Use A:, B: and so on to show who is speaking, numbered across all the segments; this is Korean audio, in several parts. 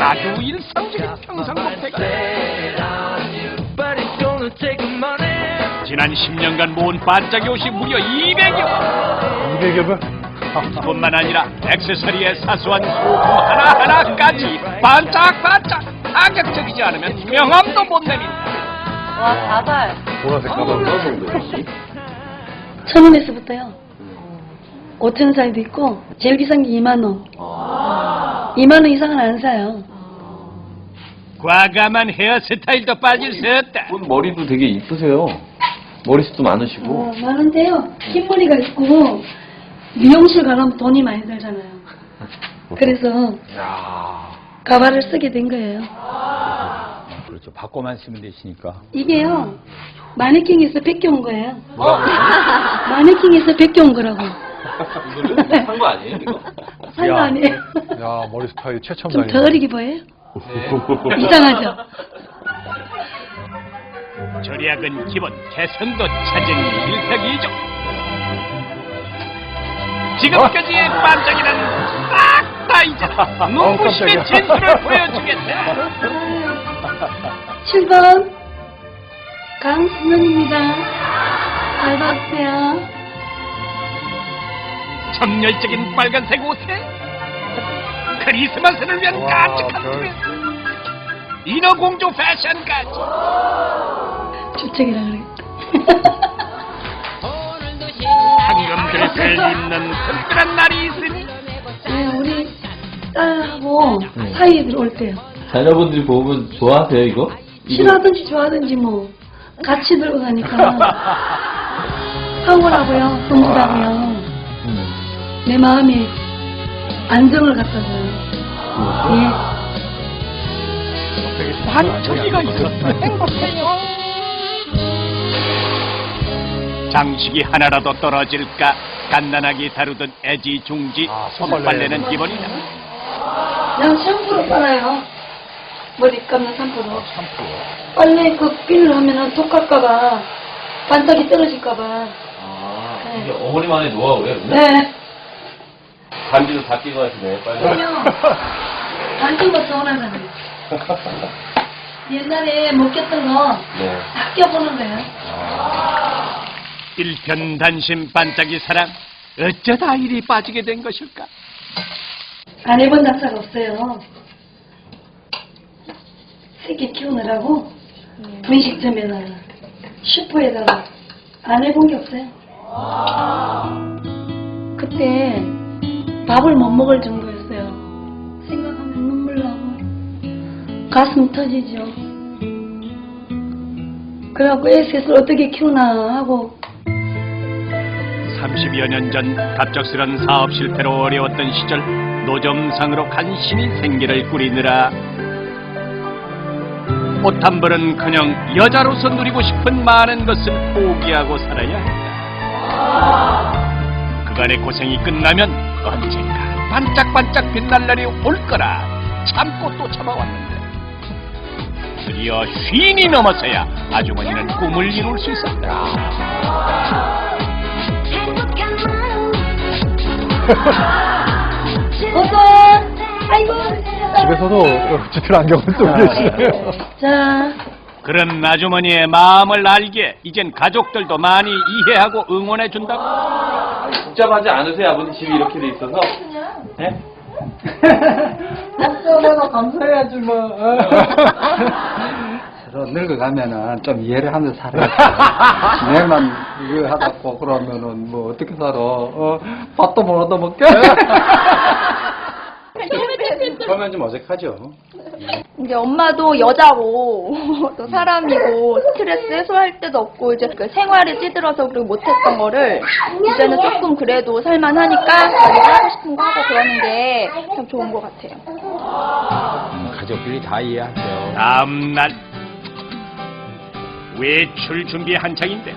A: 아주 일상적인 평상복태기. 지난 10년간 모은 반짝이 옷이 무려 200여.
B: 200여?
A: 뿐만 아니라 액세서리의 사소한 소품 하나하나까지 반짝반짝 가격적이지 않으면 명함도 못 내민다.
C: 와, 가발.
B: 보라색 가방.
D: 1,000원에서부터요. 5,000원 사이도 있고 제일 비싼 게 2만 원. 2만 원 이상은 안 사요.
A: 과감한 헤어스타일도 빠질 수 없다.
E: 머리도 되게 이쁘세요. 머리숱도 많으시고.
D: 많은데요. 흰머리가 있고 미용실 가려면 돈이 많이 들잖아요. 그래서 가발을 쓰게 된 거예요.
B: 그렇죠. 바꿔만 쓰면 되시니까.
D: 이게요. 마네킹에서 뺏겨온 거예요. 마네킹에서 뺏겨온 거라고.
E: 이거는 산 거 아니에요, 이거?
D: 산 거 아니에요.
B: 야, 머리 스타일 최첨
D: 좀
B: 다니네.
D: 더 어리게 보여요? 이상하죠?
A: 절약은 기본, 개선도 찾은 일석이조. 지금까지의 반짝이는 싹 다 잊어 눈부심의 진수를 보여주겠다.
D: 7번 강순원입니다. 잘 봤어요.
A: 정열적인 빨간색 옷에 크리스마스를 위한
B: 와,
A: 깜찍한
B: 별.
A: 드레스, 인어공주 패션까지.
D: 주책이라 그래.
A: 황금 드레스를 입는 특별한 날이 있으니
D: 네, 우리 딸하고 사이에 들어올 때요.
E: 자녀분들이 보면 좋아하세요, 이거?
D: 싫어하든지 좋아하든지 뭐 같이 들고 가니까 황홀하고요, 흥분하고요. 내 마음에 안정을 갖다 줘요. 예.
A: 반짝이가 있었으면 행복해요. 장식이 하나라도 떨어질까 갓난아기 다루던 애지중지. 손빨래는 기본이다.
D: 그냥 샴푸로 빨아요. 머리 감는 샴푸로. 빨래 그 핀을 하면은 톡 갈까봐, 반짝이 떨어질까봐.
E: 이게 어머니만의 노하우예요, 그냥?
D: 네.
E: 반지도 다 끼고 하시네, 빨리.
D: 그럼요. 반짝이가 서운하잖아요. 옛날에 못 꼈던 거
E: 네.
D: 다 껴보는 거예요.
A: 일편단심 반짝이 사랑, 어쩌다 이리 빠지게 된 것일까?
D: 안 해본 낙사가 없어요. 새끼 키우느라고 분식점에다가 슈퍼에다가 안 해본 게 없어요. 그때 밥을 못 먹을 정도였어요. 생각하면 눈물 나고 가슴 터지죠. 그래갖고 애 셋을 어떻게 키우나 하고
A: 30여 년 전 갑작스런 사업 실패로 어려웠던 시절 노점상으로 간신히 생계를 꾸리느라 옷 한 벌은커녕 여자로서 누리고 싶은 많은 것을 포기하고 살아야 했다. 그간의 고생이 끝나면 언젠가 반짝반짝 빛날 날이 올 거라 참고 또 참아왔는데 드디어 쉰이 넘어서야 아주머니는 꿈을 이룰 수 있었다.
D: 어서 아이고
B: 집에서도 짙은 안경을 쓰고 계시네요.
D: 자
A: 그런 아주머니의 마음을 알기에 이젠 가족들도 많이 이해하고 응원해준다고.
E: 복잡하지 않으세요, 아버님 집이 이렇게 돼 있어서? 네?
F: 내가 감사해야지 뭐. 그래서 늙어가면은 좀 이해를 하면서 살아야지. 내만 이거 하다고 그러면은 뭐 어떻게 살아? 밥도 못 얻어먹게? 처음엔 좀 어색하죠.
C: 이제 엄마도 여자고 또 사람이고 스트레스 해소할 때도 없고 이제 그 생활에 찌들어서 그리고 못했던 거를 이제는 조금 그래도 살만하니까 자기가 하고 싶은 거 하고 그러는 게 참 좋은 것 같아요.
B: 가족들이 다 이해하죠.
A: 다음 날 외출 준비 한창인데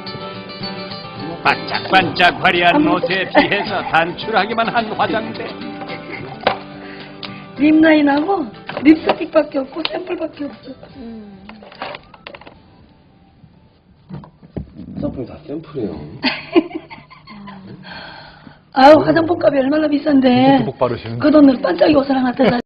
A: 반짝반짝 화려한 옷에 비해서 단출하기만 한 화장대.
D: 립라인하고 립스틱밖에 없고 샘플밖에 없어.
E: 화장품 다 샘플이에요.
D: 아유 화장품 값이 얼마나 비싼데
B: 복 바르시는.
D: 그 돈으로 반짝이 옷을 하나 더 사.